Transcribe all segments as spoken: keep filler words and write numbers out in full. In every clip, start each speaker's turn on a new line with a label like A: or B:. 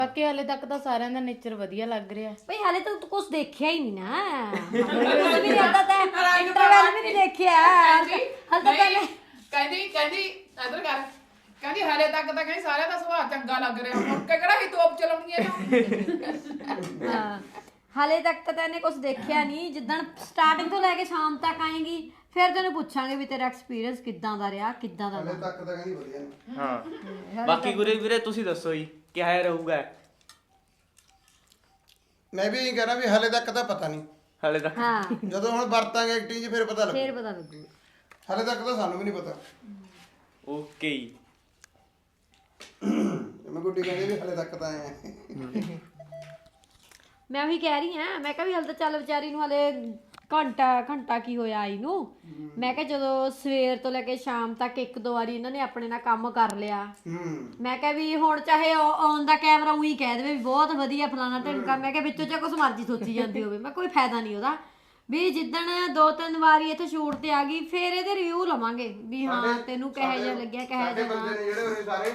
A: ਬਾਕੀ ਹਾਲੇ ਤੱਕ ਤਾਂ ਸਾਰਿਆਂ ਦਾ ਨੇਚਰ ਵਧੀਆ ਲੱਗ ਰਿਹਾ
B: ਭਈ ਹਾਲੇ ਤਾਂ ਤੂੰ ਕੁਝ ਦੇਖਿਆ ਹੀ ਨਹੀਂ ਨਾ ਹਾਲੇ ਵੀ ਆਦਾ ਤਾਂ ਇੰਟਰਵੈਲ ਵੀ ਨਹੀਂ ਦੇਖਿਆ ਹਾਲੇ ਤਾਂ ਪਹਿਲੇ
C: ਕਹਿੰਦੀ ਕਹਿੰਦੀ ਇਧਰ ਕਰ ਕਹਿੰਦੀ ਹਾਲੇ ਤੱਕ ਤਾਂ ਕਹਿੰਦੀ ਸਾਰਿਆਂ ਦਾ ਸੁਭਾਅ ਚੰਗਾ ਲੱਗ ਰਿਹਾ ਹੁਣ ਕਿਹੜਾ ਹੀ ਤੋਪ ਚਲਾਉਣੀ ਹੈ
B: ਹਾਂ ਹਾਲੇ ਤੱਕ ਤਾਂ ਤੈਨੇ ਕੁਝ ਦੇਖਿਆ ਨਹੀਂ ਜਿੱਦਣ ਸਟਾਰਟਿੰਗ ਤੋਂ ਲੈ ਕੇ ਸ਼ਾਮ ਤੱਕ ਆਏਗੀ ਫਿਰ ਤੈਨੂੰ ਪੁੱਛਾਂਗੇ ਵੀ ਤੇਰਾ ਐਕਸਪੀਰੀਅੰਸ ਕਿੱਦਾਂ ਦਾ ਰਿਹਾ ਕਿੱਦਾਂ ਦਾ
D: ਹਲੇ ਤੱਕ ਤਾਂ ਕਹਿੰਦੀ ਵਧੀਆ ਨੇ
E: ਹਾਂ ਬਾਕੀ ਗੁਰੇ ਵੀਰੇ ਤੁਸੀਂ ਦੱਸੋ ਜੀ ਕਿਹਾ ਰਹੂਗਾ
D: ਮੈਂ ਵੀ ਇਹੀ ਕਹਿਣਾ ਵੀ ਹਲੇ ਤੱਕ ਤਾਂ ਪਤਾ ਨਹੀਂ
E: ਹਲੇ ਤੱਕ
B: ਹਾਂ
D: ਜਦੋਂ ਹੁਣ ਵਰਤਾਂਗੇ ਐਕਟਿੰਗ 'ਚ ਫਿਰ ਪਤਾ ਲੱਗੂ
B: ਫਿਰ ਪਤਾ ਲੱਗੂ
D: ਹਲੇ ਤੱਕ ਤਾਂ ਸਾਨੂੰ ਵੀ ਨਹੀਂ ਪਤਾ
E: ਓਕੇ ਜੀ
D: ਮੈਂ ਗੁੱਡੀ ਕਹਿੰਦੀ ਵੀ ਹਲੇ ਤੱਕ ਤਾਂ ਆਏ ਆ
B: ਮੈਂ ਉਹੀ ਕਹਿ ਰਹੀ ਹਾਂ ਮੈਂ ਕਿਹਾ ਵੀ ਹਲ ਤਾਂ ਚੱਲ ਵਿਚਾਰੀ ਨੂੰ ਹਲੇ ਘੰਟਾ ਘੰਟਾ ਕੀ ਹੋਇਆ ਆਈ ਨੂੰ ਮੈਂ ਕਿਹਾ ਜਦੋਂ ਸਵੇਰ ਤੋਂ ਲੈ ਕੇ ਸ਼ਾਮ ਤੱਕ ਇੱਕ ਦੋ ਵਾਰੀ ਇਹਨਾਂ ਨੇ ਆਪਣੇ ਨਾਲ ਕੰਮ ਕਰ ਲਿਆ
D: ਹੂੰ
B: ਮੈਂ ਕਿਹਾ ਵੀ ਹੁਣ ਚਾਹੇ ਔਨ ਦਾ ਕੈਮਰਾ ਉਹੀ ਕਹਿ ਦੇਵੇ ਵੀ ਬਹੁਤ ਵਧੀਆ ਫਲਾਣਾ ਢਿਮਕਾ ਮੈਂ ਕਿਹਾ ਵਿੱਚੋਂ ਚਾਹੇ ਕੁਛ ਮਰਜ਼ੀ ਸੋਚੀ ਜਾਂਦੀ ਹੋਵੇ ਮੈਂ ਕੋਈ ਫਾਇਦਾ ਨਹੀਂ ਉਹਦਾ ਵੀ ਜਿੱਦਣ ਦੋ ਤਿੰਨ ਵਾਰੀ ਇੱਥੇ ਸ਼ੂਟ ਤੇ ਆ ਗਈ ਫਿਰ ਇਹਦੇ ਰਿਵਿਊ ਲਵਾਂਗੇ ਵੀ ਹਾਂ ਤੈਨੂੰ ਕਿਹੋ ਜਿਹਾ ਲੱਗਿਆ ਕਿਹੋ
D: ਸਾਡੇ
B: ਜਿਹਾ
D: ਬੰਦੇ ਨੇ ਜਿਹੜੇ ਉਰੇ ਸਾਰੇ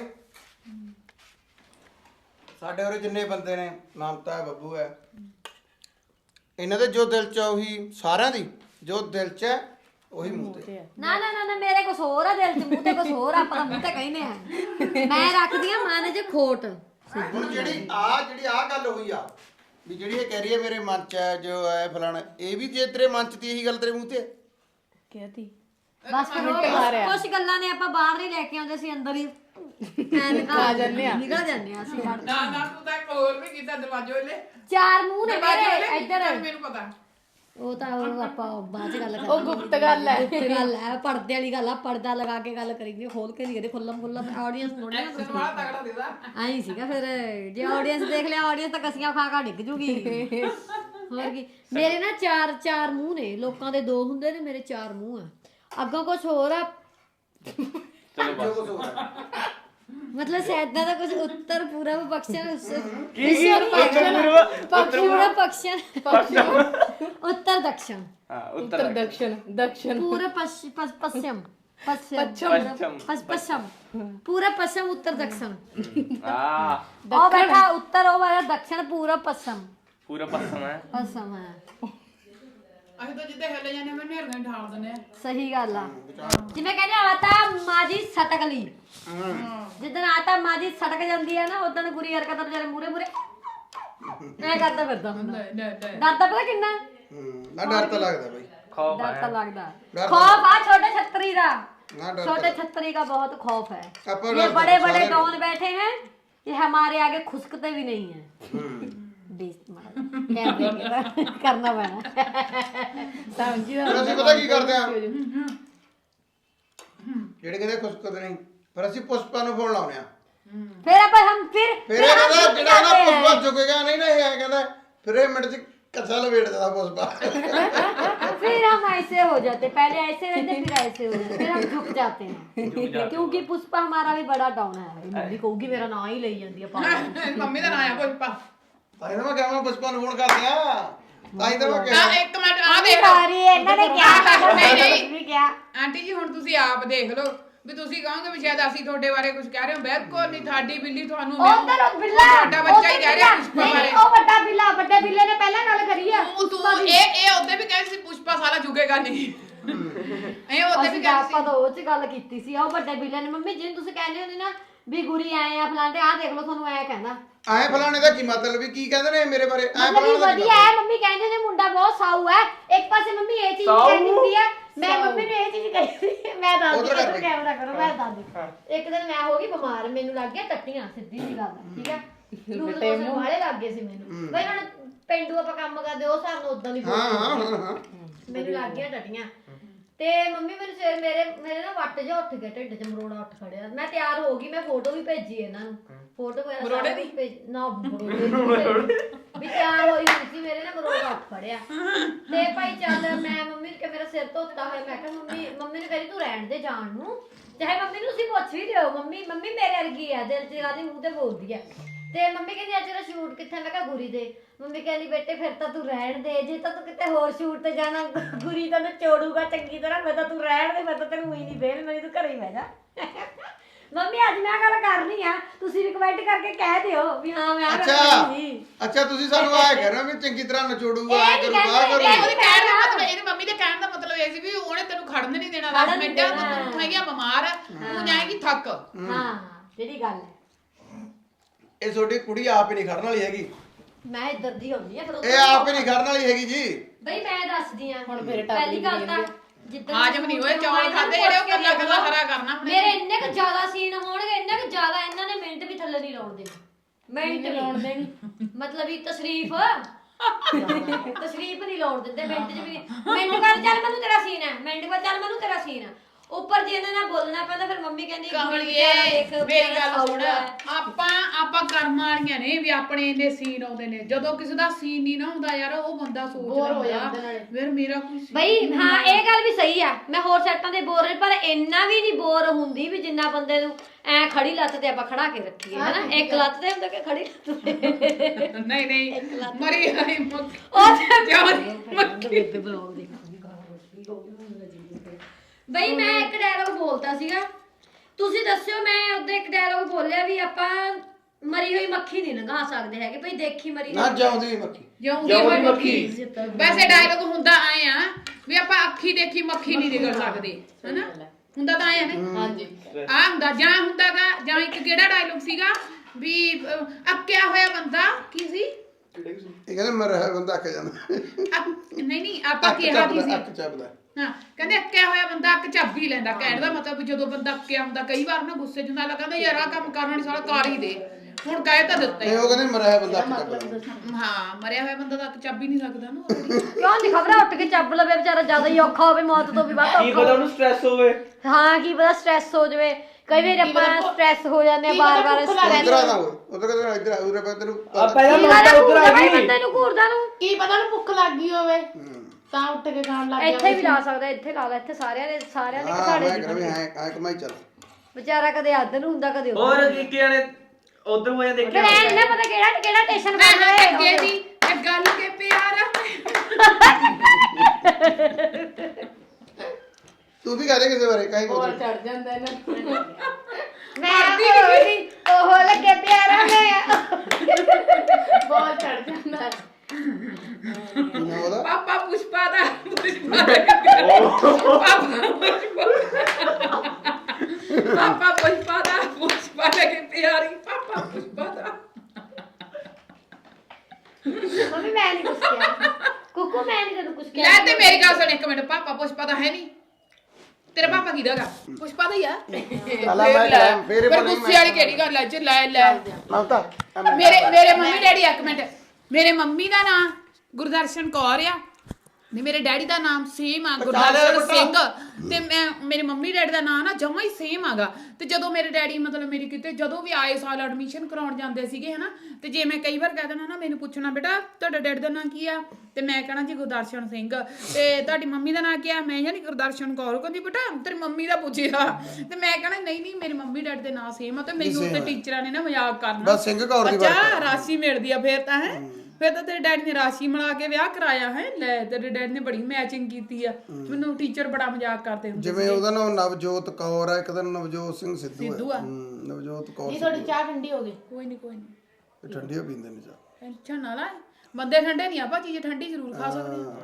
D: ਸਾਡੇ ਉਰੇ ਜਿੰਨੇ ਬੰਦੇ ਨੇ ਮਮਤਾ ਹੈ ਬੱਬੂ ਹੈ ਇਹਨਾਂ ਦੇ ਜੋ ਦਿਲ ਚ ਆ ਉਹੀ ਸਾਰਿਆਂ ਦੀ ਜੋ ਦਿਲ ਚ ਹੈ ਉਹੀ ਮੂੰਹ ਤੇ
B: ਨਾ ਨਾ ਨਾ ਨਾ ਮੇਰੇ ਕੁਛ ਹੋਰ ਆ ਦਿਲ ਚ ਮੂੰਹ ਤੇ ਕੁਛ ਹੋਰ ਆ ਆਪਾਂ ਤਾਂ ਮੂੰਹ ਤੇ ਕਹਿੰਦੇ ਆ ਮੈਂ ਰੱਖਦੀ ਆ ਮਨ ਚ ਖੋਟ
D: ਹੁਣ ਜਿਹੜੀ ਆ ਜਿਹੜੀ ਆ ਗੱਲ ਹੋਈ ਆ ਵੀ ਜਿਹੜੀ ਇਹ ਕਹਿ ਰਹੀ ਹੈ ਮੇਰੇ ਮਨ ਚ ਹੈ ਜੋ ਹੈ ਫਲਾਣਾ ਇਹ ਵੀ ਜੇ ਤੇਰੇ ਮਨ ਚ ਤੀ ਇਹੀ ਗੱਲ ਤੇਰੇ ਮੂੰਹ ਤੇ
A: ਕਿਹਦੀ
B: ਬਸ ਕੁਝ ਗੱਲਾਂ ਨੇ ਆਪਾਂ ਬਾਹਰ ਨਹੀਂ ਲੈ ਕੇ ਆਉਂਦੇ ਸੀ ਅੰਦਰ ਹੀ ਆ ਜਾਂਦੇ ਆ ਨਿਕਲ ਜਾਂਦੇ ਆ ਅਸੀਂ
C: ਨਾ ਨਾ ਤੂੰ ਤਾਂ ਇੱਕ ਹੋਰ ਵੀ ਕੀਤਾ ਦਰਵਾਜ਼ੇ ਵੇਲੇ
B: ਚਾਰ ਮੂੰਹ ਨੇ
C: ਦਰਵਾਜ਼ੇ
B: ਮੇਰੇ
C: ਵੇਲੇ
B: ਇੱਧਰ
C: ਮੈਨੂੰ ਪਤਾ
B: ਉਹ ਤਾਂ ਉਹ ਆਪਾਂ ਬਾਅਦ ਚ ਗੱਲ ਕਰਾਂਗੇ
A: ਉਹ ਗੁਪਤ ਗੱਲ ਹੈ
B: ਗੁਪਤ ਗੱਲ ਹੈ ਪਰਦੇ ਵਾਲੀ ਗੱਲ ਆ ਪਰਦਾ ਲਗਾ ਕੇ ਗੱਲ ਕਰੀਂਗੇ ਖੋਲ ਕੇ ਨਹੀਂ ਕਰੇ ਖੁੱਲਮ ਖੁੱਲਮ ਆਡੀਅנס ਥੋੜੀ ਨਾ
C: ਐਕਸ਼ਨ ਵਾਲਾ ਤਗੜਾ ਦੇਦਾ
B: ਆਈ ਸੀਗਾ ਫਿਰ ਜੇ ਆਡੀਅנס ਦੇਖ ਲਿਆ ਆਡੀਅנס ਤਾਂ ਕਸੀਆਂ ਖਾ ਖਾ ਡਿੱਗ ਜੂਗੀ ਹੋਰ ਕੀ ਮੇਰੇ ਨਾ ਚਾਰ ਚਾਰ ਮੂੰਹ ਨੇ ਲੋਕਾਂ ਦੇ ਦੋ ਹੁੰਦੇ ਨੇ ਮੇਰੇ ਚਾਰ ਮੂੰਹ ਆ ਅੱਗੋਂ ਕੁਝ ਹੋਰ ਆ
E: ਚਲੋ ਬਸ
B: मतलब सैदा का कुछ उत्तर पूर्व पक्षण पूर्व पक्षण उत्तर दक्षिण
E: ਹਾਂ
A: ਉੱਤਰ
E: ਉੱਤਰ
A: ਦक्षिण दक्षिण
B: पूरा पश्चिम पश्चिम पश्चिम
E: ਪੱਛਮ
B: पश्चिम पूरा पश्चिम उत्तर दक्षिण
E: ਆ
B: और बैठा उत्तर और वाला दक्षिण पूरा पश्चिम
E: ਪੂਰਾ ਪੱਛਮ ਹੈ
B: पश्चिम है
C: ਅਸੀਂ ਤਾਂ ਜਿੱਦੇ ਹਿੱਲ ਜਾਂਦੇ ਮੈਂ ਨੇਰਗਾਂ ਠਾਲ ਦਿੰਦੇ ਆ
B: सही गल आ जिवें कहंदे आता माजी सटक ली जिदन आता माजी सटक जांदी है ना उदन बुरी हरकत बेचारे मूरे मूरे मैं करदा फिरदा हुंदा डरदा पता किन्ना
D: ਹੂੰ ਨਾ ਡਰ ਤਾਂ ਲੱਗਦਾ ਬਾਈ
E: ਖੌਫ
B: डर तो
E: ਹੈ
B: लगदा खौफ आ छोटे छतरी दा
D: ਨਾ ਡਰ
B: छोटे छतरी का बहुत खौफ है
D: ਆਪਾਂ
B: ये
D: डरते
B: बड़े
D: हैं,
B: बड़े
D: सारे
B: डॉन बैठे हैं ये हमारे आगे खुसकते भी नहीं है
D: ਹੂੰ
B: बेइज्जत मार कैमरे के करना पैना
A: ਸਮਝੀ
D: ਫਿਰ ਅਸੀਂ ਪਤਾ ਕੀ ਕਰਦੇ ਆ ਜਿਹੜੇ ਕਹਿੰਦੇ ਖੁਸ਼ ਕਰਦੇ ਨਹੀਂ ਪਰ ਅਸੀਂ ਪੁਸ਼ਪਾ ਨੂੰ ਫੋਨ ਲਾਉਨੇ ਆ
B: फिर अपन हम फिर
D: ਫਿਰ ਇਹ ਕਹਿੰਦਾ ਜਿਹੜਾ ਨਾ ਪੁਸ਼ਪਾ ਝੁਕੇਗਾ ਨਹੀਂ ਨਾ ਇਹ ਕਹਿੰਦਾ ਫਿਰ ਇਹ ਮਿੰਟ ਚ ਕੱਚਾ ਲਵੇੜ ਦਿੰਦਾ ਪੁਸ਼ਪਾ
B: फिर हम ऐसे हो जाते पहले ऐसे रहते फिर ऐसे हो जाते फिर हम झुक जाते हैं क्योंकि पुष्पा हमारा भी बड़ा डाउन है मम्मी कहूगी मेरा नाम ही ले जाती है पागल
C: ਮੰਮੀ ਦਾ ਨਾਂ ਆ ਪੁਸ਼ਪਾ
D: ਤਾਂ ਇਹਨਾਂ ਮੈਂ ਕਹਾਂ ਪੁਸ਼ਪਾ ਨੂੰ ਫੋਨ ਕਰਦੇ ਆ ਤਾਂ ਹੀ ਤਾਂ ਮੈਂ
C: ਆ
D: ਕਿਹਾ
C: ਇੱਕ ਮਿੰਟ ਆ ਦੇਖ
B: सॉरी इन्होंने क्या कहा
C: नहीं, नहीं।
B: भी क्या
C: ਆਂਟੀ ਜੀ ਹੁਣ ਤੁਸੀਂ ਆਪ ਦੇਖ ਲਓ ਵੀ ਤੁਸੀਂ ਕਹੋਗੇ ਵੀ ਸ਼ਾਇਦ ਅਸੀਂ ਤੁਹਾਡੇ ਬਾਰੇ ਕੁਝ ਕਹਿ ਰਹੇ ਹਾਂ ਬਿਲਕੁਲ ਨਹੀਂ ਤੁਹਾਡੀ ਬਿੱਲੀ ਤੁਹਾਨੂੰ
B: ਉਧਰ ਉਹ ਬਿੱਲਾ
C: ਤੁਹਾਡਾ ਬੱਚਾ ਹੀ ਕਹਿ ਰਿਹਾ ਪੁਸ਼ਪਾ ਬਾਰੇ
B: ਨਹੀਂ ਉਹ ਵੱਡਾ ਬਿੱਲਾ ਵੱਡੇ ਬਿੱਲੇ ਨੇ ਪਹਿਲਾਂ ਗੱਲ ਕਰੀ ਆ
C: ਉਹ ਤੂੰ ਇਹ ਇਹ ਉਹਦੇ ਵੀ ਕਹਿੰਦੇ ਸੀ ਪੁਸ਼ਪਾ ਸਾਲਾ ਝੁਕੇਗਾ ਨਹੀਂ ਇਹ ਉਹਦੇ ਵੀ
B: ਅਸੀਂ ਤਾਂ
C: ਕਹਿੰਦੇ
B: ਆਪਾਂ
C: ਸੀ
B: ਤਾਂ ਉਹ ਚ ਗੱਲ ਕੀਤੀ ਸੀ ਉਹ ਵੱਡੇ ਬਿੱਲੇ ਨੇ ਮੰਮੀ ਜਿਹਨੂੰ ਤੁਸੀਂ ਕਹਿੰਦੇ ਹੁੰਦੇ ਨਾ ਵੀ ਗੁਰੀ ਆਏ ਆ ਫਲਾਂਟੇ ਆ ਦੇਖ ਲਓ ਤੁਹਾਨੂੰ ਐ ਕਹਿੰਦਾ
D: ਐ ਫਲਾਣੇ ਦਾ ਕੀ ਮਤਲਬ ਵੀ ਕੀ ਕਹਿੰਦੇ ਨੇ ਮੇਰੇ ਬਾਰੇ ਐ
B: ਮਤਲਬ
D: ਫਲਾਣੇ ਦਾ ਕੀ
B: ਵਧੀਆ ਹੈ ਮੰਮੀ ਕਹਿੰਦੇ ਨੇ ਮੁੰਡਾ ਬਹੁਤ ਸਾਊ ਹੈ ਇੱਕ ਪਾਸੇ ਮੰਮੀ ਇਹ ਚੀਜ਼ ਕਹਿੰਦੀ ਹੁੰਦੀ ਆ ਮੈਂ ਮੰਮੀ ਨੂੰ ਇਹ ਚੀਜ਼ ਕਹੀ ਮੈਂ ਦੱਸਦੀ
D: ਉੱਧਰ
B: ਹਾਂ
D: ਕਰਕੇ।
B: ਕੈਮਰਾ ਕਰੋ ਮੈਂ ਦੱਸਦੀ ਇੱਕ ਦਿਨ ਮੈਂ ਹੋ ਗਈ ਬਿਮਾਰ ਮੈਨੂੰ ਲੱਗ ਗਿਆ ਟੱਟੀਆਂ ਸਿੱਧੀ ਜੀ ਗੱਲ ਆ, ਠੀਕ ਹੈ ਲੂਜ਼ ਮੋਸ਼ਨ ਵਾਲੇ ਲੱਗ ਗਏ ਸੀ ਮੈਨੂੰ ਬਈ ਹੁਣ ਪਿੰਡੂ ਆਪਾਂ ਕੰਮ ਕਰਦੇ ਉਹ ਹਿਸਾਬ ਨਾਲ ਉਦਾਂ ਦੀ
D: ਹਾਂ ਹਾਂ ਹਾਂ ਹਾਂ
B: ਮੈਨੂੰ ਲੱਗ ਗਿਆ ਟੱਟੀਆਂ ਤੇ ਮੰਮੀ ਮੈਨੂੰ ਸਵੇਰ ਮੇਰੇ ਮੇਰੇ ਨਾ ਵੱਟ ਜਾ ਉੱਠ ਗਿਆ ਢਿੱਡ 'ਚ ਮਰੋੜਾ ਉੱਠ ਖੜਿਆ ਮੈਂ ਤਿਆਰ ਹੋ ਗਈ ਮੈਂ ਫੋਟੋ ਵੀ ਭੇਜੀ ਇਹਨਾਂ ਨੂੰ ਫੋਟੋ ਵਗੈਰਾ
C: ਮਰੋੜੇ ਦੀ?
B: ਭੇਜ ਨਾ ਮਰੋੜੇ ਵੀ ਤਿਆਰ ਹੋਈ ਹੋਈ ਸੀ ਮੇਰੇ ਨਾ ਮਰੋੜਾ ਉੱਠ ਖੜਿਆ ਤੇ ਭਾਈ ਚੱਲ ਮੈਂ ਮੰਮੀ ਨੂੰ ਕਿ ਮੇਰਾ ਸਿਰ ਧੋਤਾ ਹੋਇਆ ਮੈਂ ਕਿਹਾ ਮੰਮੀ ਮੰਮੀ ਨੇ ਕਹਿੰਦੀ ਤੂੰ ਰਹਿਣ ਦੇ ਜਾਣ ਨੂੰ ਚਾਹੇ ਮੰਮੀ ਨੂੰ ਤੁਸੀਂ ਪੁੱਛ ਵੀ ਲਿਓ ਮੰਮੀ ਮੰਮੀ ਮੇਰੇ ਵਰਗੀ ਆ ਦਿਲ 'ਚ ਗੱਲ ਮੂੰਹ ਤੇ ਬੋਲਦੀ ਆ ਤੇ ਮੰਮੀ ਕਹਿੰਦੀ ਅੱਜ ਤੇਰਾ ਸ਼ੂਟ ਕਿੱਥੇ ਮੈਂ ਕਿਹਾ ਗੁਰੀ ਦੇ ਮੰਮੀ ਕਹਿੰਦੀ ਬੇਟੇ ਫਿਰ ਤਾਂ ਤੂੰ ਰਹਿਣ ਦੇ ਜੇ ਤਾਂ ਤੂੰ ਕਿਤੇ ਹੋਰ ਸ਼ੂਟ ਤੇ ਜਾਣਾ ਗੁਰੀ ਤੈਨੂੰ ਚੋੜੂਗਾ ਚੰਗੀ ਤਰ੍ਹਾਂ ਮੈਂ ਤਾਂ ਤੂੰ ਰਹਿਣ ਦੇ ਮੈਂ ਤਾਂ ਤੈਨੂੰ ਹੀ ਨਹੀਂ ਵੇਲ ਮੈਂ ਤੂੰ ਘਰੇ ਹੀ ਬਹਿ ਜਾ ਮੰਮੀ ਅੱਜ ਮੈਂ ਆਹ ਗੱਲ ਕਰਨੀ ਆ ਤੁਸੀਂ ਵੀ ਕਮੈਂਟ ਕਰਕੇ ਕਹਿ ਦਿਓ ਵੀ ਹਾਂ ਮੈਂ ਆਹ ਗੱਲ
D: ਅੱਛਾ
B: ਕਰਨੀ ਸੀ।
D: ਅੱਛਾ ਤੁਸੀਂ ਸਾਨੂੰ ਆਏ ਕਹਿ ਰਹੇ ਹੋ ਵੀ ਚੰਗੀ ਤਰ੍ਹਾਂ ਨਚੋੜੂਗਾ
B: ਇਹ
D: ਆ
B: ਨੀ
D: ਕਰੂਗਾ ਆਹ
B: ਕਹਿੰਦੇ,
D: ਕਰੂਗਾ
C: ਉਹਦੇ ਕਹਿਣ ਦਾ ਮਤਲਬ ਇਹਦੀ ਮੰਮੀ ਦੇ ਕਹਿਣ ਦਾ ਮਤਲਬ ਇਹ ਸੀ ਵੀ ਉਹਨੇ ਤੈਨੂੰ ਖੜਨ ਨਹੀਂ ਦੇਣਾ ਦਸ
B: ਖੜਨ ਨੀ
C: ਮਿੰਟ
B: ਦੇਣਾ।
C: ਤੂੰ ਹੈਗੀ ਆ ਬਿਮਾਰ ਆ ਤੂੰ ਜਾਏਗੀ ਥੱਕ
B: ਹਾਂ ਜਿਹੜੀ ਗੱਲ ਹੈ
D: ਇਹ ਤੁਹਾਡੀ ਕੁੜੀ ਆਪ ਹੀ ਨਹੀਂ ਖੜਨ ਵਾਲੀ ਹੈਗੀ
B: ਮੈਂ ਇੱਧਰ ਦੀ ਆਉਂਦੀ ਆ ਫਿਰ ਉੱਧਰ
D: ਇਹ ਆਪ ਹੀ ਨਹੀਂ ਖੜਨ ਵਾਲੀ ਹੈਗੀ ਜੀ
B: ਬਈ ਮੈਂ ਦੱਸਦੀ ਆ
A: ਹੁਣ ਮੇਰੇ ਟੱਬ
B: ਪਹਿਲੀ ਗੱਲ ਤਾਂ ਜਿੱਦਣ
C: ਹਾਜਮ ਨਹੀਂ ਹੋਏ ਚੌਲ ਖਾਦੇ ਜਿਹੜੇ ਉਹ ਕੱਲਾ ਕੱਲਾ ਹਰਾ ਕਰਨਾ ਆਪਣੇ
B: ਮੇਰੇ ਇੰਨੇ ਕੁ ਜ਼ਿਆਦਾ ਸੀਨ ਹੋਣਗੇ ਇੰਨੇ ਕੁ ਜ਼ਿਆਦਾ ਇਹਨਾਂ ਨੇ ਮਿੰਟ ਵੀ ਥੱਲੇ ਨਹੀਂ ਲਾਉਣ ਦੇਣੇ ਮਿੰਟ
A: ਨਹੀਂ ਲਾਉਣ ਦੇਣੀ
B: ਮਤਲਬ ਇਹ ਤਸ਼ਰੀਫ ਤਸ਼ਰੀਫ ਨਹੀਂ ਲਾਉਣ ਦਿੰਦੇ ਮਿੰਟ ਚ ਵੀ ਮਿੰਟ ਬਾਅਦ ਚੱਲ ਮੈਨੂੰ ਤੇਰਾ ਸੀਨ ਹੈ ਮਿੰਟ ਬਾਅਦ ਚੱਲ ਮੈਨੂੰ ਤੇਰਾ ਸੀਨ ਹੈ ਉੱਪਰ ਜੇ ਇਹਨਾਂ ਨਾਲ ਬੋਲਣਾ ਪੈਂਦਾ ਫਿਰ ਮੰਮੀ ਕਹਿੰਦੀ
C: ਕਮਲੀਏ ਮੇਰੀ ਗੱਲ ਸੁਣ ਆਪਾਂ ਆਪਾਂ ਕਰਮ ਵਾਲੀਆਂ ਨੇ ਵੀ ਆਪਣੇ ਇੰਨੇ ਸੀਨ ਆਉਂਦੇ ਨੇ ਜਦੋਂ ਕਿਸੇ ਦਾ ਸੀਨ ਨਹੀਂ ਨਾ ਹੁੰਦਾ ਯਾਰ ਉਹ ਬੰਦਾ
A: Bore ਹੋ
C: ਸੋਚਦਾ
A: ਜਾਂਦਾ ਨਾਲੇ।
C: ਫਿਰ ਮੇਰਾ ਕੋਈ scene
B: ਬਈ
C: ਨਹੀਂ
B: ਹਾਂ
C: ਹੁੰਦਾ।
B: ਇਹ ਗੱਲ ਵੀ ਸਹੀ ਆ ਮੈਂ ਹੋਰ ਸੈਟਾਂ ਦੇ ਬੋਰ ਪਰ ਇੰਨਾ ਵੀ ਨਹੀਂ ਬੋਰ ਹੁੰਦੀ ਵੀ ਜਿੰਨਾ ਬੰਦੇ ਨੂੰ ਐ ਖੜੀ ਲੱਤ ਤੇ ਆਪਾਂ ਖੜਾ ਕੇ ਰੱਖੀਏ ਹਨਾ ਇੱਕ ਲੱਤ ਤੇ ਹੁੰਦਾ ਕਿ ਖੜੀ ਲੱਤ ਤੇ
C: ਨਹੀਂ ਨਹੀਂ ਮਰੀ ਆਈ ਮੱਕੀ
B: ਉਹ ਤੇ
C: ਮੱਕੀ
B: ਬਈ ਮੈਂ ਇੱਕ ਡਾਇਲੌਗ ਬੋਲਤਾ ਸੀਗਾ ਤੁਸੀਂ ਦੱਸਿਓ ਮੈਂ ਉਹਦੇ ਇੱਕ ਡਾਇਲੌਗ ਬੋਲਿਆ ਵੀ ਆਪਾਂ ਮਰੀ ਹੋਈ ਮੱਖੀ ਨਹੀਂ ਲੰਘਾ ਸਕਦੇ ਹੈਗੇ ਭਈ ਦੇਖੀ ਮਰੀ
D: ਨਾ ਜਾਉਂਦੀ ਮੱਕੀ
C: ਜਿਉਂਦੀ ਹੋਈ ਮੱਖੀ ਵੈਸੇ ਡਾਇਲੌਗ ਹੁੰਦਾ ਆਏ ਆ ਵੀ ਆਪਾਂ ਅੱਖੀ ਦੇਖੀ ਮੱਖੀ ਨਹੀਂ ਨਿਕਲ ਸਕਦੇ ਹਨਾ ਹੁੰਦਾ ਤਾਂ ਆਏ ਆ ਨੇ
A: ਹਾਂਜੀ
C: ਆ ਹੁੰਦਾ ਜਾਂ ਹੁੰਦਾਗਾ ਜਾਂ ਇੱਕ ਕਿਹੜਾ ਡਾਇਲੌਗ ਸੀਗਾ ਵੀ ਅਹ, ਅੱਕਿਆ ਹੋਇਆ ਬੰਦਾ ਕੀ ਸੀ
D: ਇਹ ਕਹਿੰਦੇ ਮਰ ਬੰਦਾ ਅੱਕ ਜਾਂਦਾ
C: ਅੱਕ- ਨਹੀਂ ਨਹੀਂ ਆਪਾਂ
D: ਅੱਕ
C: ਕਿਹਾ ਕੀ
D: ਚੱਬਦਾ
C: ਸੀ
D: ਅੱਕ ਚੱਬਦਾ
C: ਹਾਂ ਕਹਿੰਦੇ ਅੱਕਿਆ ਹੋਇਆ ਬੰਦਾ ਅੱਕ ਝੱਬ ਹੀ ਲੈਂਦਾ ਕਹਿਣ ਦਾ ਮਤਲਬ ਵੀ ਜਦੋਂ ਬੰਦਾ ਅੱਕਿਆ ਹੁੰਦਾ ਕਈ ਵਾਰ ਨਾ ਗੁੱਸੇ ਚ ਹੁੰਦਾ ਅਗਲਾ ਕਹਿੰਦਾ ਯਾਰ ਆਹ ਕੰਮ ਕਰਨ ਵਾਲੀ ਸਾਲਾ ਕਰ ਹੀ ਦੇ ਹੁਣ ਕਹਿ ਤਾਂ ਦਿੱਤਾ ਹੀ
D: ਇਹ ਉਹ ਕਹਿੰਦੇ ਮਰਿਆ ਹੋਇਆ ਬੰਦਾ ਅੱਕ ਚੱਬਦਾ
C: ਹਾਂ ਮਰਿਆ ਹੋਇਆ ਬੰਦਾ ਤਾਂ ਅੱਕ ਚੱਬ ਹੀ ਨਹੀਂ ਸਕਦਾ ਨਾ already।
B: ਕਿਉਂ ਦੀ ਖਬਰਾਂ ਉੱਠ ਕੇ ਚੱਬ ਲਵੇ ਵਿਚਾਰਾ ਜ਼ਿਆਦਾ ਹੀ ਔਖਾ ਹੋਵੇ ਮੌਤ ਤੋਂ ਵੀ ਵੱਧ
E: ਕੀ
B: ਔਖਾ
E: ਪਤਾ ਉਹਨੂੰ ਸਟ੍ਰੈਸ ਹੋਵੇ
B: ਹਾਂ ਕੀ ਪਤਾ ਸਟ੍ਰੈਸ ਹੋ ਜਾਵੇ ਕਈ ਵਾਰ ਆਪਾਂ ਸਟ੍ਰੈਸ ਹੋ ਜਾਂਦੇ ਆ ਬਾਰ-ਬਾਰ
D: ਉਧਰ
B: ਸਟ੍ਰੈਸ
D: ਆ ਨਾ ਉਧਰ ਕਹਿੰਦੇ ਇੱਧਰ ਆ ਉਧਰ ਤੈਨੂੰ
E: ਆ ਪਹਿਲਾਂ
B: ਕੀ
E: ਮੰਟਾ
B: ਗੱਲ
E: ਉਧਰ ਆ
B: ਘੂਰਦਾ
E: ਗਈ
B: ਬੰਦੇ ਨੂੰ ਘੂਰਦਾ ਨੂੰ
A: ਕੀ ਪਤਾ ਉਹਨੂੰ ਭੁੱਖ ਲੱਗ ਗਈ ਹੋਵੇ ਤਾਂ ਉੱਠ ਕੇ ਖਾਣ ਲੱਗ ਗਿਆ
B: ਇੱਥੇ ਵੀ ਲਾ ਸਕਦਾ ਇੱਥੇ ਲਾ ਲੈ ਇੱਥੇ ਸਾਰਿਆਂ ਦੇ ਸਾਰਿਆਂ ਦੇ
D: ਹਾਂ
B: ਘਸਾੜੇ
D: ਮੈਂ ਕਹਿੰਦਾ ਵੀ ਹਾਂ ਆ ਕਮਾਈ ਚੱਲ
B: ਵਿਚਾਰਾ ਕਦੇ ਅੱਧ ਨੂੰ ਹੁੰਦਾ ਕਦੇ ਉੱਧਰ
E: ਹੋਰ
B: ਨੂੰ।
E: ਕੀ ਕੀ ਨੇ ਉਧਰ ਹੋਇਆ
B: ਫਿਰ
E: ਦੇਖਿਆ
B: ਐ ਨੀ ਨਾ ਪਤਾ ਕਿਹੜਾ ਕਿਹੜਾ ਟੈਸ਼ਨ
C: ਮੈਂ
B: ਕਰਦਾ
C: ਹਾਂ
B: ਹੈ
C: ਅੱਗੇ ਦੀ ਇਹ ਗੱਲ ਕੇ ਪਿਆਰ
D: ਤੂੰ ਵੀ ਕਹਦੇ ਕਿਸੇ ਬਾਰੇ ਕਹੀਂ
A: ਹੋਰ
D: ਕੁਝ
A: ਚੜ ਜਾਂਦਾ ਇਹਨਾਂ ਨੂੰ
B: ਮੈਂ ਉਹਦੀ ਉਹ ਲੱਗੇ ਪਿਆਰਾ ਮੈਂ
A: ਬਹੁਤ ਚੜ ਜਾਂਦਾ
D: ਨਾ ਉਹਦਾ
C: ਪਾਪਾ ਪੁਸ਼ਪਾ ਦਾ ਪੁਸ਼ਪਾ ਦਾ ਪਾਪਾ ਪੁਸ਼ਪਾ ਪਾਪਾ ਪੁਸ਼ਪਾ ਦਾ ਪੁਸ਼ਪਾ ਦੇ ਕੇ ਪਿਆਰੀ ਪਾਪਾ ਪੁਸ਼ਪਾ ਦਾ
B: ਮੰਮੀ ਮੈਂ ਨਹੀਂ ਕੁਛ ਕਿਹਾ ਕੁੱਕੂ ਮੈਂ ਨਹੀਂ ਤੈਨੂੰ ਕੁਛ ਕਿਹਾ
C: ਲੈ ਤੇ ਮੇਰੀ ਗੱਲ ਸੁਣ ਇੱਕ ਮਿੰਟ ਪਾਪਾ ਪੁਸ਼ਪਾ ਦਾ ਹੈ ਨਹੀਂ ਤੇਰਾ ਪਾਪਾ ਕਿਹਦਾ ਗਾ ਪੁਸ਼ਪਾ ਦਾ ਹੀ ਆ
D: ਚੱਲ ਆ ਮੈਂ ਕਿਹਾ, ਮੇਰੇ
C: ਫਿਰ
D: ਕੋਲ ਨਹੀਂ
C: ਗੁੱਸੇ ਵਾਲੀ ਕਿਹੜੀ ਗੱਲ ਆ ਚ ਲੈ ਲੈ
D: ਮਮਤਾ
C: ਮੇਰੇ ਮੇਰੇ ਮੰਮੀ ਡੈਡੀ ਇੱਕ ਮਿੰਟ ਮੇਰੇ ਮੰਮੀ ਦਾ ਨਾਮ ਗੁਰਦਰਸ਼ਨ ਕੌਰ ਆ ਨਹੀਂ ਮੇਰੇ ਡੈਡੀ ਦਾ ਨਾਮ ਸੇਮ ਆ ਗੁਰਦਰਸ਼ਨ ਸਿੰਘ ਤੇ ਮੈਂ ਮੇਰੇ ਮੰਮੀ ਡੈਡੀ ਦਾ ਨਾਮ ਨਾ ਜਮਾ ਹੀ ਸੇਮ ਆਗਾ ਤੇ ਜਦੋਂ ਮੇਰੇ ਡੈਡੀ ਮਤਲਬ ਮੇਰੀ ਕਿਤੇ ਜਦੋਂ ਵੀ ਆਏ ਸਾਲ ਐਡਮਿਸ਼ਨ ਕਰਾਉਣ ਜਾਂਦੇ ਸੀਗੇ ਹਨਾ ਤੇ ਜੇ ਮੈਂ ਕਈ ਵਾਰ ਕਹਿ ਦੇਣਾ ਨਾ ਮੈਨੂੰ ਪੁੱਛਣਾ ਬੇਟਾ ਤੁਹਾਡਾ ਡੈਡੀ ਦਾ ਨਾਮ ਕੀ ਆ ਤੇ ਮੈਂ ਕਹਣਾ ਜੀ ਗੁਰਦਰਸ਼ਨ ਸਿੰਘ ਤੇ ਤੁਹਾਡੀ ਮੰਮੀ ਦਾ ਨਾਮ ਕੀ ਆ ਮੈਂ ਜਾਨੀ ਗੁਰਦਰਸ਼ਨ ਕੌਰ ਕਹਿੰਦੀ ਬੇਟਾ ਤੇਰੀ ਮੰਮੀ ਦਾ ਪੁੱਛਿਆ ਤੇ ਮੈਂ ਕਹਣਾ ਨਹੀਂ ਨਹੀਂ ਮੇਰੀ ਮੰਮੀ ਡੈਡੀ ਦੇ ਨਾਮ ਸੇਮ ਆ ਤੇ ਮੇਰੀ ਉੱਤੇ ਟੀਚਰਾਂ ਨੇ ਨਾ ਮਜ਼ਾਕ ਕਰਨਾ
D: ਬਸ ਸਿੰਘ ਕੌਰ ਦੀ
C: ਅੱਛਾ ਰਾਸ਼ੀ ਮਿਲਦੀ ਆ ਫੇਰ ਤਾਂ ਹੈ ਫਿਰ ਤਾਂ ਤੇਰੇ ਡੈਡੀ ਨੇ ਰਾਸ਼ੀ ਮਿਲਾ ਕੇ ਵਿਆਹ ਕਰਾਇਆ ਹੈ ਲੈ ਤੇਰੇ ਡੈਡੀ ਨੇ ਬੜੀ ਮੈਚਿੰਗ ਕੀਤੀ ਆ ਮੈਨੂੰ ਟੀਚਰ ਬੜਾ ਮਜ਼ਾਕ ਕਰਦੇ ਹੁੰਦੇ
D: ਜਿਵੇਂ ਉਹਦਾ ਨਾਮ ਨਵਜੋਤ ਕੌਰ ਆ ਇੱਕ ਦਿਨ ਨਵਜੋਤ ਸਿੰਘ ਸਿੱਧੂ
C: ਸਿੱਧੂ ਆ।
D: ਹੈ ਹੂੰ, ਨਵਜੋਤ ਕੌਰ
A: ਜੀ ਤੁਹਾਡੀ ਚਾਹ ਠੰਡੀ ਹੋ ਗਈ
C: ਕੋਈ ਨਹੀਂ ਕੋਈ ਨਹੀਂ
D: ਇਹ ਠੰਡੀ ਹੋ ਪੀਂਦੇ ਨੇ ਚਾਹ
C: ਟੈਨਸ਼ਨ ਨਾ ਲੈ ਬੰਦੇ ਠੰਡੇ ਨਹੀਂ ਆਪਾਂ ਚੀਜ਼ ਠੰਡੀ ਜ਼ਰੂਰ ਖਾ ਸਕਦੇ ਹਾਂ।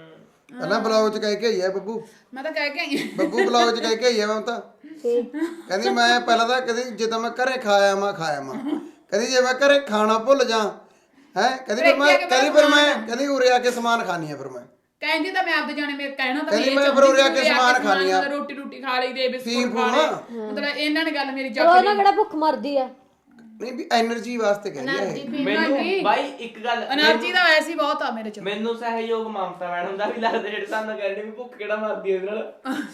D: ਪਹਿਲਾਂ ਬਲੌਗ ਚ ਕਹਿ ਕੇ ਆਈ ਹੈ ਬੱਬੂ
C: ਮੈਂ ਤਾਂ ਕਹਿ ਕੇ ਆਈ ਹਾਂ।
D: ਬੱਬੂ ਬਲੌਗ ਚ ਕਹਿ ਕੇ ਆਈ ਹੈ ਮੈਂ ਤਾਂ ਕਹਿੰਦੀ ਮੈਂ ਪਹਿਲਾਂ ਤਾਂ ਕਦੀ ਜਦੋਂ ਮੈਂ ਘਰੇ ਖਾਇਆ ਮੈਂ ਖਾਇਆ ਮੈਂ ਕਹਿੰਦੀ ਜੇ ਮੈਂ ਘਰੇ ਖਾਣਾ ਭੁੱਲ ਜਾ ਹੈ ਕਹਿੰਦੀ ਫਿਰ ਮੈਂ ਕਹਿੰਦੀ ਫਿਰ ਮੈਂ ਕਹਿੰਦੀ ਉਰੇ ਆ ਕੇ ਸਮਾਨ ਖਾਣੀ ਆ ਫਿਰ ਮੈਂ
C: ਕਹਿੰਦੀ ਤਾਂ ਮੈਂ ਆਪਦੇ ਜਾਣੇ ਮੇਰੇ ਕਹਿਣਾ ਤਾਂ
D: ਕਹਿੰਦੀ
C: ਇਹ
D: ਮੈਂ
C: ਚਾਹੁੰਦੀ
D: ਫਿਰ ਉਰੇ ਆ
C: ਸੀ
D: ਕੇ
C: ਵੀ
D: ਸਮਾਨ ਖਾਣੀ ਆ।
C: ਰੋਟੀ ਰੋਟੀ ਖਾ ਲਈ ਦੇ
D: ਫੀਮ
C: ਬਿਸਕੁਟ ਖਾ
D: ਫੂਮ
C: ਲਏ ਮਤਲਬ ਇਹਨਾਂ ਨੇ ਗੱਲ ਮੇਰੀ
B: ਉਹ
C: ਚੱਕ
B: ਨਾ
C: ਲਈ
B: ਕਿਹੜਾ ਭੁੱਖ ਮਰਦੀ ਆ
D: ਨਹੀਂ ਵੀ એનર્ਜੀ ਵਾਸਤੇ ਕਹਿੰਦੀ ਹੈ ਇਹ।
E: ਮੈਨੂੰ ਬਾਈ ਇੱਕ ਗੱਲ
C: એનર્ਜੀ ਦਾ ਐਸੀ ਬਹੁਤ ਆ ਮੇਰੇ ਚ
E: ਮੈਨੂੰ ਸਹਿਯੋਗ ਮਮਤਾ ਮੈਡਮ ਦਾ ਵੀ ਲੱਗਦਾ ਜਿਹੜੇ ਸਾਨੂੰ ਕਹਿੰਦੇ ਵੀ ਭੁੱਖ ਕਿਹੜਾ ਮਰਦੀ ਉਹਦੇ ਨਾਲ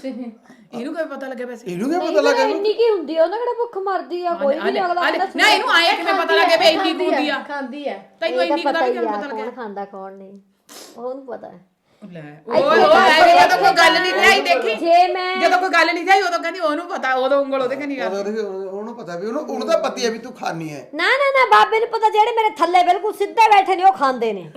C: ਇਹਨੂੰ ਕੋਈ ਪਤਾ ਲੱਗੇ ਵੈਸੇ
D: ਇਹਨੂੰ ਕੀ ਪਤਾ ਲੱਗਾ
B: ਇੰਨੀ ਕੀ ਹੁੰਦੀ ਆ ਉਹਨਾਂ ਕਿਹੜਾ ਭੁੱਖ ਮਰਦੀ ਆ ਕੋਈ ਵੀ ਨਹੀਂ ਅਗਲਾ ਕਹਿੰਦਾ
C: ਨਾ ਇਹਨੂੰ ਆਇਆ ਕਿਵੇਂ ਪਤਾ ਲੱਗੇ ਵੀ ਇੰਨੀ ਕੁ ਹੁੰਦੀ ਆ
A: ਖਾਂਦੀ ਆ
C: ਤੈਨੂੰ ਇੰਨੀ ਕੁ ਦਾ ਵੀ ਕਿਵੇਂ ਪਤਾ
B: ਕੌਣ
C: ਲੱਗਿਆ
B: ਖਾਂਦਾ ਕੌਣ ਨਹੀਂ ਉਹਨੂੰ ਪਤਾ ਹੈ
C: ਲੈ ਉਹ ਉਹ ਐਵੇਂ ਜਦੋਂ ਕੋਈ ਗੱਲ ਨਹੀਂ ਲਿਆਈ ਦੇਖੀ
B: ਜੇ ਮੈਂ
C: ਜਦੋਂ ਕੋਈ ਗੱਲ ਨਹੀਂ ਲਿਆਈ ਉਦੋਂ ਕਹਿੰਦੀ ਉਹਨੂੰ ਪਤਾ ਉਦੋਂ ਉਂਗਲ ਉਹਦੇ ਕਹਿੰਦੀ ਗੱਲ
D: ਉਹਦੇ ਉਹਨੂੰ ਪਤਾ ਵੀ ਉਹਨੂੰ ਉਹਨੂੰ ਤਾਂ ਪਤੀ ਹੈ ਵੀ ਤੂੰ ਖਾਣੀ ਹੈ
B: ਨਾ ਨਾ ਨਾ ਬਾਬੇ ਨੂੰ ਪਤਾ ਜਿਹੜੇ ਮੇਰੇ ਥੱਲੇ ਬਿਲਕੁਲ ਸਿੱਧੇ ਬੈਠੇ ਨੇ ਉਹ ਖਾਂਦੇ ਨੇ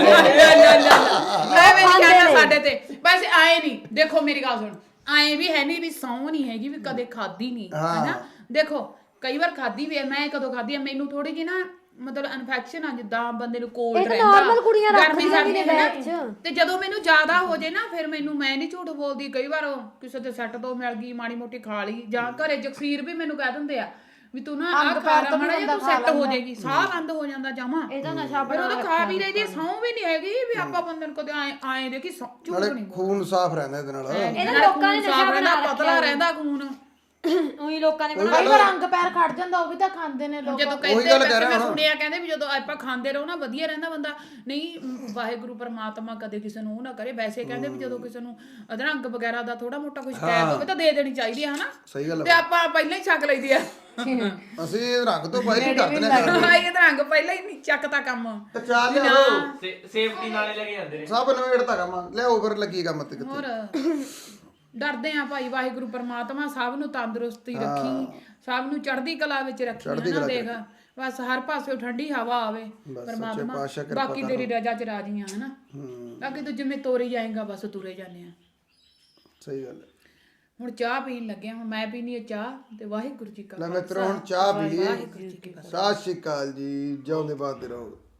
C: ਮੈਂ ਵੀ ਕਹਿੰਦਾ ਸਾਡੇ ਤੇ ਬਸ ਆਏ ਨਹੀਂ ਦੇਖੋ ਮੇਰੀ ਗੱਲ ਸੁਣ ਆਏ ਵੀ ਹੈ ਨਹੀਂ ਵੀ ਸੌ ਨਹੀਂ ਹੈਗੀ ਵੀ ਕਦੇ ਖਾਦੀ ਨਹੀਂ ਹੈਨਾ ਦੇਖੋ ਕਈ ਵਾਰ ਖਾਦੀ ਵੀ ਹੈ, ਮੈਂ ਕਦੋਂ ਖਾਦੀ ਹੈ, ਮੈਨੂੰ ਥੋੜੀ ਜਿਹੀ ਨਾ ਮਤਲਬ ਇਨਫੈਕਸ਼ਨ ਆ, ਜਿੱਦਾਂ ਬੰਦੇ ਨੂੰ ਕੋਲਡ
B: ਇਹ ਤਾਂ
C: ਰਹਿੰਦਾ
B: normal ਕੁੜੀਆਂ
C: ਗਰਮੀ
B: ਰੱਖਦੀਆਂ ਵੀ
C: ਸਰਦੀ
B: ਨੇ
C: ਹੈ
B: ਬੈਗ 'ਚ।
C: ਨਾ, ਤੇ ਜਦੋਂ ਮੈਨੂੰ ਜ਼ਿਆਦਾ ਹੋ ਜੇ ਨਾ ਫਿਰ ਮੈਨੂੰ, ਮੈਂ ਨਹੀਂ ਝੂਠ ਬੋਲਦੀ, ਕਈ ਵਾਰ ਕਿਸੇ ਦੇ ਸੈੱਟ ਤੋਂ ਮਿਲ ਗਈ ਮਾੜੀ ਮੋਟੀ ਖਾ ਲਈ, ਜਾਂ ਘਰੇ ਜਗਸੀਰ ਵੀ ਮੈਨੂੰ ਕਹਿ ਦਿੰਦੇ ਆ ਵੀ ਤੂੰ ਨਾ ਆਹ ਖਾ ਲੈ ਮਾੜਾ ਜਿਹਾ, ਤੂੰ ਸੈੱਟ ਹੋ ਜਾਏਗੀ, ਸਾਹ ਬੰਦ ਹੋ ਜਾਂਦਾ ਜਮਾ।
B: ਇਹਦਾ ਨਸ਼ਾ
C: ਫਿਰ
B: ਬਣਾ
C: ਉਹ ਤਾਂ ਖਾ ਵੀ ਰਹੀ, ਸਹੁੰ ਵੀ ਨਹੀਂ ਹੈਗੀ ਵੀ ਆਪਾਂ ਬੰਦੇ ਨੂੰ ਕਦੇ ਆਏ ਆਏ ਦੇਖੀ ਝੂਠ
D: ਨਾਲੇ
C: ਨਹੀਂ
D: ਖੂਨ ਸਾਫ਼ ਰਹਿੰਦਾ ਇਹਦੇ ਨਾਲ।
B: ਇਹਨਾਂ ਲੋਕਾਂ ਨੇ ਨਸ਼ਾ ਬਣਾ ਰੱਖਿਆ,
C: ਪਤਲਾ ਰਹਿੰਦਾ ਖੂਨ।
B: ਉਹੀ ਲੋਕਾਂ ਨੇ
A: ਕਈ ਵਾਰ ਰੰਗ ਪੈਰ ਖੜ ਜਾਂਦਾ, ਉਹ ਵੀ ਤਾਂ ਖਾਂਦੇ ਨੇ ਲੋਕ।
C: ਜਦੋਂ ਕਹਿੰਦੇ ਮੈਂ ਸੁਣਿਆ ਕਹਿੰਦੇ ਵੀ ਜਦੋਂ ਆਪਾਂ ਖਾਂਦੇ ਰਹੋ ਨਾ ਵਧੀਆ ਰਹਿੰਦਾ ਬੰਦਾ। ਨਹੀਂ, ਵਾਹਿਗੁਰੂ ਪਰਮਾਤਮਾ ਕਦੇ ਕਿਸੇ ਨੂੰ ਉਹ ਨਾ ਕਰੇ। ਵੈਸੇ ਕਹਿੰਦੇ ਵੀ ਜਦੋਂ ਕਿਸੇ ਨੂੰ ਅਧਰੰਗ ਵਗੈਰਾ ਦਾ ਥੋੜਾ ਮੋਟਾ ਕੁਝ ਸ਼ਿਕਾਇਤ ਹੋਵੇ ਤਾਂ ਦੇ ਦੇਣੀ ਚਾਹੀਦੀ ਹੈ ਹਨਾ।
D: ਸਹੀ ਗੱਲ
C: ਤੇ ਆਪਾਂ ਪਹਿਲਾਂ ਹੀ ਚੱਕ ਲਈਦੀ ਆ।
D: ਅਸੀਂ ਰੰਗ ਤੋਂ ਪਹਿਲਾਂ ਹੀ ਡਰਦੇ ਨੇ।
C: ਹਾਂ, ਇਹ ਅਧਰੰਗ ਪਹਿਲਾਂ ਹੀ ਨਹੀਂ ਚੱਕਤਾ ਕੰਮ।
D: ਤੇ ਚਾਹ ਲਿਆਓ,
E: ਸੇਫਟੀ ਨਾਲੇ ਲੈ ਕੇ ਜਾਂਦੇ ਨੇ
D: ਸਭ ਨਵੇੜਤਾ ਕੰਮ ਲਿਆਓ, ਫਿਰ ਲੱਗੀ ਕੰਮ ਤੇ ਕਿੱਥੇ।
C: ਹੋਰ ਡਰਦੇ ਆ ਭਾਈ, ਵਾਹਿਗੁਰੂ ਪਰਮਾਤਮਾ ਸਭ ਨੂੰ ਤੰਦਰੁਸਤੀ ਰੱਖੀ, ਸਭ ਨੂੰ ਚੜ੍ਹਦੀ ਕਲਾ ਵਿੱਚ ਰੱਖੀ ਹਨਾ। ਦੇਖ ਬਸ ਹਰ ਪਾਸੇ ਠੰਡੀ ਹਵਾ ਆਵੇ ਪਰਮਾਤਮਾ, ਬਾਕੀ ਤੇਰੀ ਰਜ਼ਾ ਚ ਰਾਜੀ ਆ ਹਨਾ। ਬਾਕੀ ਤੂੰ ਜਿਵੇਂ ਤੋਰੀ ਜਾਏਗਾ ਬਸ ਤੁਰੇ ਜਾਂਦੇ ਆ।
D: ਸਹੀ ਗੱਲ ਹੈ।
C: ਹੁਣ ਚਾਹ ਪੀਣ ਲੱਗਿਆ, ਹੁਣ ਮੈਂ ਪੀਣੀ ਹੈ ਚਾਹ, ਤੇ ਵਾਹਿਗੁਰੂ ਜੀ ਕਾ
D: ਲੈ ਮਿੱਤਰੋ ਹੁਣ ਚਾਹ ਪੀ ਲਈਏ।
C: ਵਾਹਿਗੁਰੂ ਜੀ ਕੀ ਫਤਿਹ।
D: ਸਤਿ ਸ਼੍ਰੀ ਅਕਾਲ ਜੀ, ਜਿਉਂਦੇ ਬਾਦ ਰਹੋ।